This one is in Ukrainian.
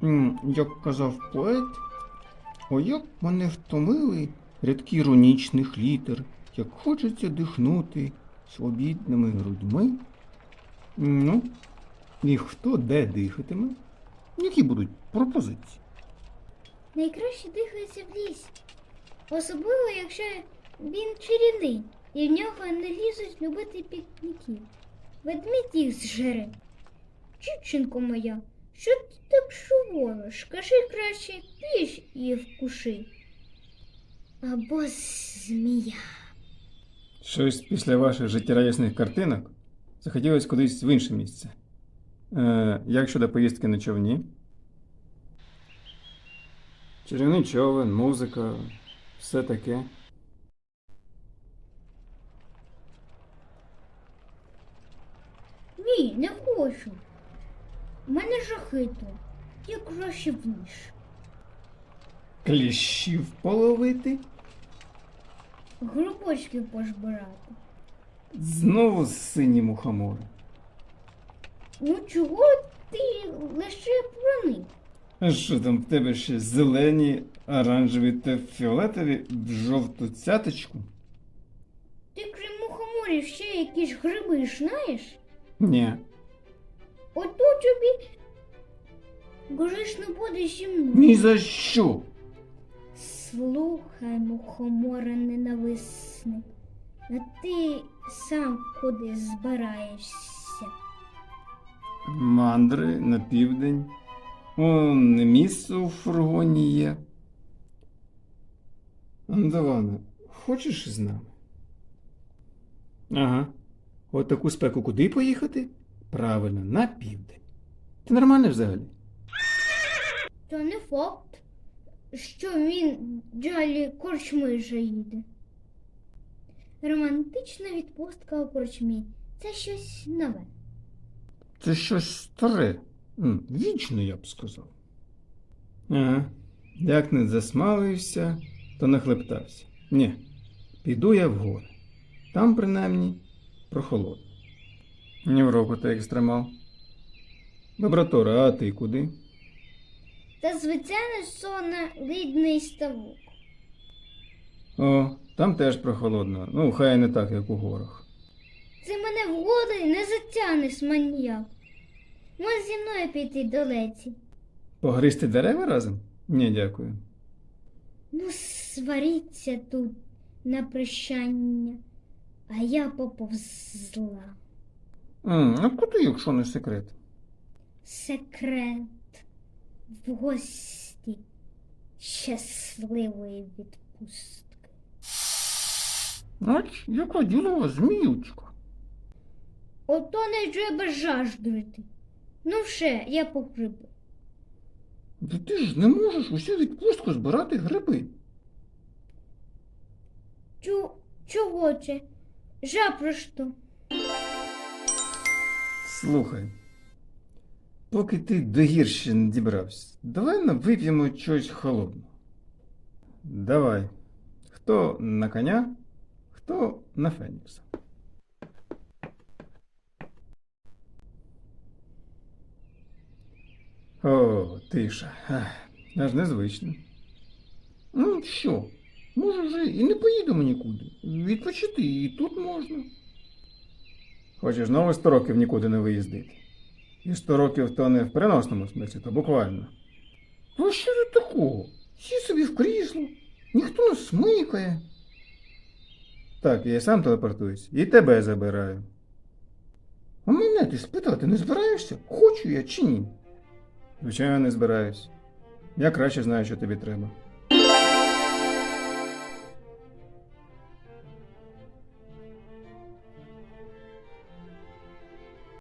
Як казав поет, о, як мене втомили рядки іронічних літер, як хочеться дихнути свобідними грудьми. Ну, і хто де дихатиме? Які будуть пропозиції? Найкраще дихається в лісі. Особливо, якщо він чарівний і в нього не лізуть любити пікніків. Ведмідь їх зжере. Дівчинко моя, що ти так шувориш? Кажи краще, піш і вкуши. Або змія. Щось після ваших життєрадісних картинок захотілося кудись в інше місце. Як щодо поїздки на човні? Чарівний човен, музика, все таке. Ні, не хочу. У мене жахито. Я краще в ніж. Кліщів половити? Грибочків пожбирати. Знову сині мухомори. Ну чого ти лише про них? А що там в тебе ще зелені, оранжеві та фіолетові в жовту цяточку? Ти крім мухоморів ще якісь гриби знаєш? Ні. Ото тобі грішно буде зі мною. Ні за що. Слухай, мухомора ненависник, а ти сам куди збираєшся? Мандри на південь. Не місце у фургоні є. Андавана, хочеш з нами? Ага. От таку спеку куди поїхати? Правильно, на південь. Ти нормальний взагалі? То не факт, що він далі корчми заїде. Романтична відпустка у корчмі – це щось нове. Це щось старе. Вічно, я б сказав. Ага. Як не засмалився, то нахлептався. Ні, піду я в гори. Там, принаймні, прохолодно. Ні в року ти екстремал. Лаборатора, а ти куди? Та звичайно сонно-лідний ставок. О, там теж прохолодно. Ну, хай не так, як у горах. Це мене в гори не затягнеш, маніяк. Можеш зі мною піти до леці. Погризти дерева разом? Ні, дякую. Ну, сваріться тут на прощання, а я поповзла. А куди, якщо не секрет? Секрет в гості щасливої відпустки. Ач, яка ділова зміючка. Ото не треба жаждувати. Ну все, я по гриби. Та ти ж не можеш усю відпустку збирати гриби. Чого це? Запросто. Слухай, поки ти до гірші не дібрався, давай вип'ємо чогось холодного. Давай. Хто на коня, хто на Фенікса. О, тиша. Аж незвично. Ну що, може вже і не поїдемо нікуди. Відпочити і тут можна. Хочеш знову 100 років нікуди не виїздити. І 100 років то не в переносному смислі, то буквально. Ну що тут такого? Сі собі в крісло, ніхто не смикає. Так, я сам телепортуюсь і тебе забираю. А мене ти спитати не збираєшся? Хочу я чи ні? Звичайно, не збираюсь. Я краще знаю, що тобі треба.